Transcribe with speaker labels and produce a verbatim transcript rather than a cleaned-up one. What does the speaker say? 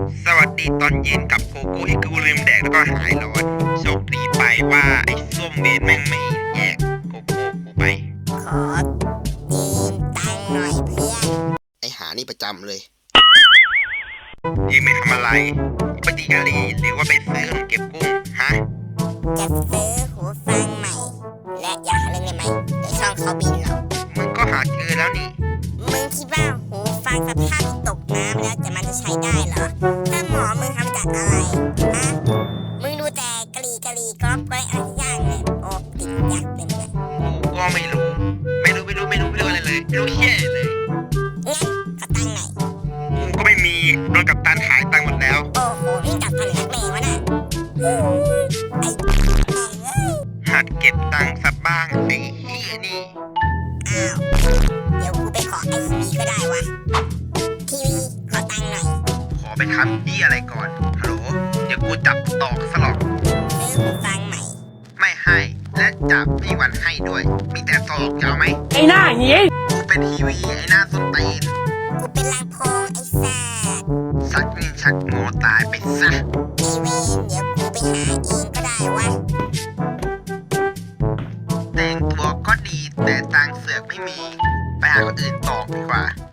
Speaker 1: สวัสดีตอนเย็นกับโกโก้ที่กูลืมแดกแล้วก็หายร้อนโชคดีไปว่าไอ้ส้มเวนแม่งไม่แยกโกโก้กูไป
Speaker 2: ขอยืมตังค์หน่อยเพื่อน
Speaker 1: ไอ้หานี่ประจำเลยยืมไปทำอะไรไปตีกะลีหรือว่าไปซื้อเครื่องเก็บกุ้งฮะ
Speaker 2: จะซื้อหูฟังใหม่และอยากเล่นได้ไหมเดี๋ยวช่องเขาบินหรอก
Speaker 1: มึงก็หาเจอแล้วนี่
Speaker 2: มึงคิดว่าหูฟังสภาพที่ตกน้ำแล้วแต่มันจะใช้ได้เหรอถ้าหมอมึงทำจากอะไรฮะมึงดูแต่กะลีกะลีกรอบไว้อะไรอย่างเลยโอ้ติดยักษ์เต็มเลย
Speaker 1: กูก็ไม่รู้ไม่รู้ไม่รู้ไม่รู้ไม่รู้อะไรเลยไม่รู้เชี่ยเลย
Speaker 2: งั้นขอตังค์หน่อย
Speaker 1: กูก็ไม่มีโดนกับตันหายตังค์หมดแล้ว
Speaker 2: โอ้โหวิ่งกลับทันนักเลงวะน่ะไอ้
Speaker 1: หัดเก็บตังค์สักบ้างไอ้เหี้ยนี่
Speaker 2: อ้าวเดี๋ยวกูไปขอไอทีวีก็ได้วะทีวีขอตังค์หน่อย
Speaker 1: ขอไปทำที่อะไรก่อนฮัลโหลเดี๋ยวกูจับตอกสลอก
Speaker 2: ซื้อหูฟังใหม่
Speaker 1: ไม่ให้และจับไม่วันให้ด้วยมีแต่ตอกจะเอาไหม
Speaker 3: ไอ้หน้าอย่างงี้
Speaker 1: กูเป็นทีวีไอ้หน้าสุดตีน
Speaker 2: กูเป็นลำโพงไอ้สัตว์
Speaker 1: สักนี่ชักงอตายไปซะ
Speaker 2: ไอเวนเดี๋ยวกูไปหาเองก็ได้วะ
Speaker 1: แต่งตัวก็ดีแต่ตังเสือกไม่มีไปหาคนอื่นตอกดีกว่า